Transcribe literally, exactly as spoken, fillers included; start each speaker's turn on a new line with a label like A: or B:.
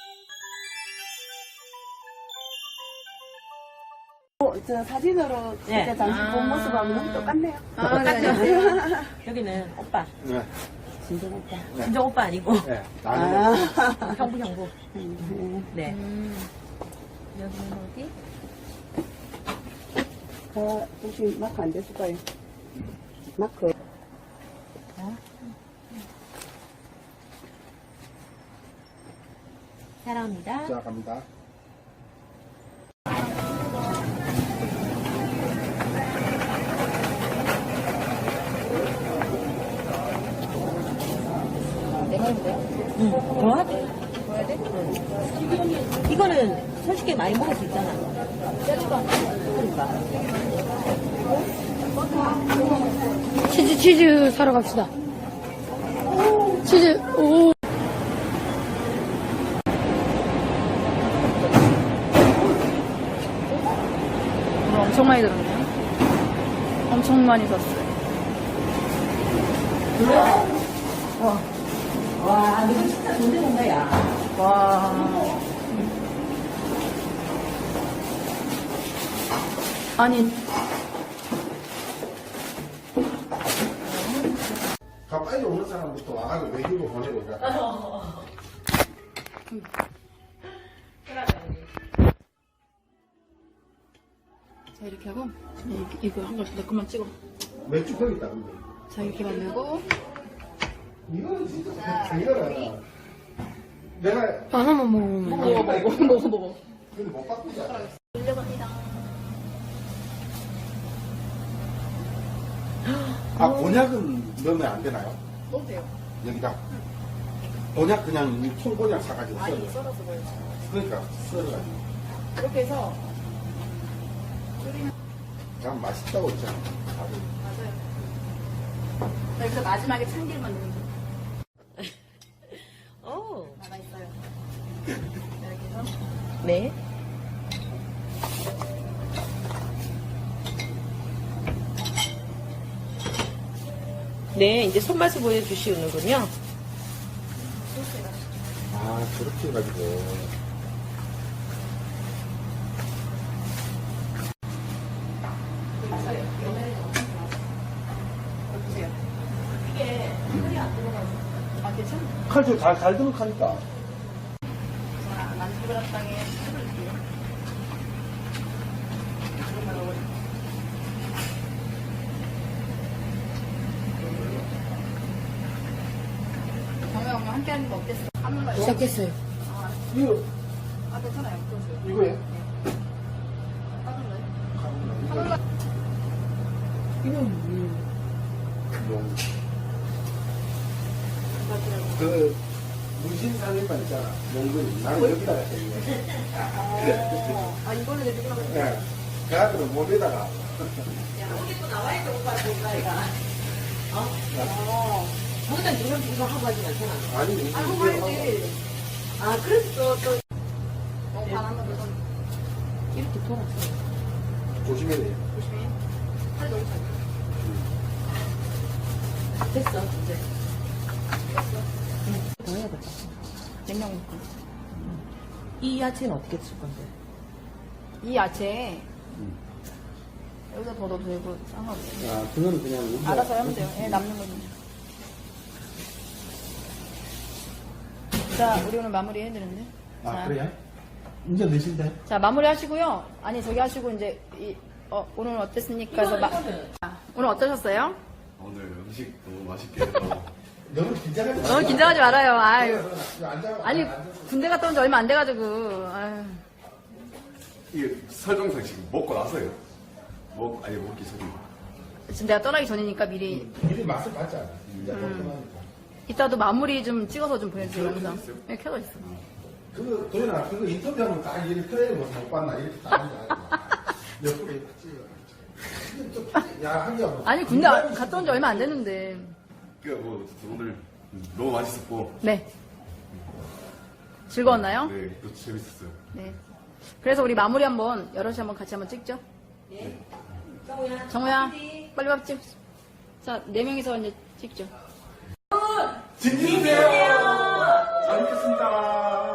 A: 어, 저 사진으로
B: 네.
A: 그때 당시 본
B: 아.
A: 모습하고 너무 똑같네요.
B: 아, 똑같죠? 여기는 오빠.
C: 네.
A: 진정 오빠.
C: 네.
B: 진정 오빠 아니고.
C: 네. 나는
A: 아.
B: 형부, 형부.
A: 네.
B: 네.
D: 음. 여기는 어디?
A: 어, 혹시 마크 안 됐을까요? 마크.
B: 사랑합니다.
C: 자, 갑니다.
D: 내가 했는데요?
B: 응. 더 하게. 더 해야 돼? 응. 이거는 솔직히 많이 먹을 수 있잖아. 그러니까.
D: 치즈, 치즈 사러 갑시다. 치즈, 오. 이거 엄청 많이 들었네요. 엄청 많이 샀어요.
B: 와, 너 진짜 존재 본다야.
D: 와. 아니,
C: 가 빨리 오는 사람부터 와가지고 외교로 보내고 가.
D: 자, 이렇게 하고, 이렇게, 이거 한 걸씩 내 것만 찍어.
C: 맥주 거기 있다, 근데.
D: 자, 이렇게 만들고.
C: 이거는 진짜 당연하다. 내가,
D: 하나만 먹으면. 먹어, 먹어, 먹어, 먹어.
C: 근데 못 바꾸자. 아, 곤약은 넣으면 안 되나요?
D: 넣어도 돼요.
C: 여기다. 곤약 그냥 이 통곤약 사가지고 썰어.
D: 아니, 썰어서 먹어요.
C: 그러니까, 썰어가지고.
D: 이렇게 해서.
C: 그냥 맛있다고 했잖아. 다들.
D: 맞아요. 여기서 마지막에 참기름만 넣으면 돼요.
B: 오.
D: 남아있어요. 이렇게 해서.
B: 네. 네, 이제 손맛을 보여주시는군요.
C: 아, 저렇게 해가지고.
D: 아, 괜찮아?
C: 칼도 잘, 잘 드는 칼이다.
D: 자, 만두그릇당에 해볼게요. 정우 형님 함께 하는 거 어땠어? 하는 거 시작했어요.
C: 이거,
D: 아, 괜찮아요.
C: 이거에?
D: 하는 거.
C: 용. 그, 무신상일만 있잖아. 용근이. 나는 여기다가 했네. 그래.
D: 아, 이걸로 내주구나.
C: 예. 그 아들은 몸에다가.
B: 여기도 나와있어, 오빠, 오빠가. 어?
D: 어.
B: 거기다 누름 이거 하고 하진 않잖아.
C: 아니, 이게
D: 아이고,
C: 이게
D: 말지.
B: 아, 그래서 또, 또
D: 어, 반한번 더.
B: 이렇게 돌았어.
C: 조심해야 돼.
D: 조심히. 팔 너무 잘.
B: 됐어, 이제. 더 해야겠다.
D: 냉장 넣고.
B: 이 야채는 어떻게 쓸 건데?
D: 이 야채 여기다 더 넣어도 되고 상관없어요.
C: 아, 그거는 그냥. 우리가-
D: 알아서 하면 돼요. 예, 남는 거는. 자, 우리 오늘 마무리 해드렸는데.
C: 아,
D: 자,
C: 그래요? 이제 몇인데?
D: 자, 마무리 하시고요. 아니, 저기 하시고 이제 이, 어, 오늘 어땠습니까? 해서 마, 아, 오늘 어떠셨어요?
E: 오늘 음식 너무 맛있게 해서
C: 너무 긴장하지 마.
D: 너무 긴장하지 말아요. 아유.
C: 앉아.
D: 아니, 군대 갔다 온 지 얼마 안 돼가지고. 아유.
E: 이게 설정상 지금 먹고 나서요. 먹 아니 먹기 전에.
D: 지금 내가 떠나기 전이니까 미리.
C: 미리 맛을 봤잖아. 이제 걱정하니까.
D: 이따도 마무리 좀 찍어서 좀 보내주세요.
E: 켜져
D: 영상.
E: 있어요?
D: 네, 켜져 있어.
C: 그거, 도현아, 그거 인터뷰하면 다 이렇게 그래, 못 봤나? 이렇게 다 하는 거 아니야? 몇 분에 찍어. 야, 한 개.
D: 아니, 군대 갔다 온 지 얼마 안 됐는데.
E: 그러니까 뭐 어쨌든 오늘 너무 맛있었고.
D: 네. 즐거웠나요?
E: 네, 또 재밌었어요.
D: 네. 그래서 우리 마무리 한번 여럿이 한번 같이 한번 찍죠.
B: 네. 정우야.
D: 정우야, 빨리 밥 찍. 자, 네 명이서 이제 찍죠.
C: 진지해요. 잘 먹겠습니다.